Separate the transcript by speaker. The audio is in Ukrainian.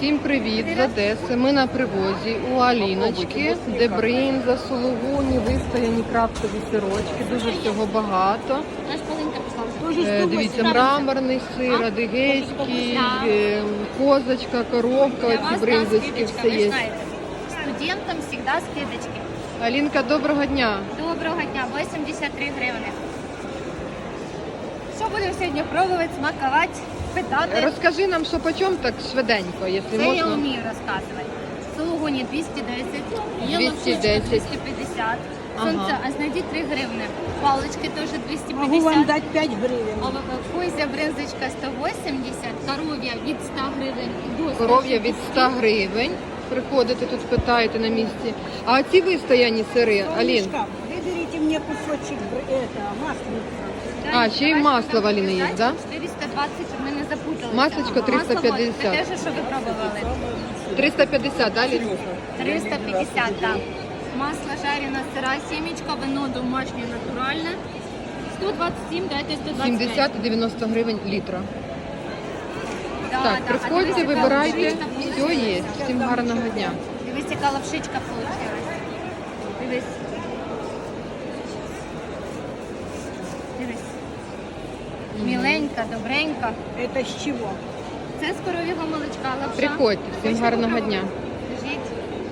Speaker 1: Всім привіт з Одеси. Ми на привозі у Аліночки, де бринза, сулугуні, вистояні крафтові сирочки. Дуже всього багато. Дивіться, мраморний сир, адигейський, козочка, коровка, оці бринзочки, все є.
Speaker 2: Студентам завжди скидочки.
Speaker 1: Алінка, доброго дня.
Speaker 2: Доброго дня, 83 гривни. Що будемо сьогодні пробувати, смакувати, питати?
Speaker 1: Розкажи нам, що почем так швиденько, якщо
Speaker 2: Це я
Speaker 1: можна.
Speaker 2: вмію розказувати. Сулугуні 210, є
Speaker 1: 210.
Speaker 2: 250, сонце, а знайдіть 3 гривни. Палички теж 250.
Speaker 3: Могу вам дать 5 гривен.
Speaker 2: Козя бринзочка 180, коров'я від 100 гривень.
Speaker 1: Коров'я від 100 гривень. Приходите тут, питаєте на місці. А ці вистояні сири, Алін?
Speaker 3: Солнышко, выберите мне кусочек маслица.
Speaker 1: А, ще й масло в Аліни є, да?
Speaker 2: 420, щоб ми не запуталися.
Speaker 1: Масличко 350.
Speaker 2: Це те, що ви пробували.
Speaker 1: 350, да, Алін?
Speaker 2: 350, так. Масло жарене, сира, сімечка, вино домашнє, натуральне. 127, дайте 125.
Speaker 1: 70-90 гривень літра.
Speaker 2: Да,
Speaker 1: Так,
Speaker 2: да.
Speaker 1: приходьте,
Speaker 2: А дивись, яка
Speaker 1: вибирайте,
Speaker 2: лапшичка
Speaker 1: все
Speaker 2: получилась.
Speaker 1: є. Всім гарного дня.
Speaker 2: Дивись, яка лапшичка вийшла. Дивись. Дивись. Міленька, добренька.
Speaker 3: Это с чего?
Speaker 2: Це з коров'яного молочка лапша.
Speaker 1: Приходьте, всім гарного дня.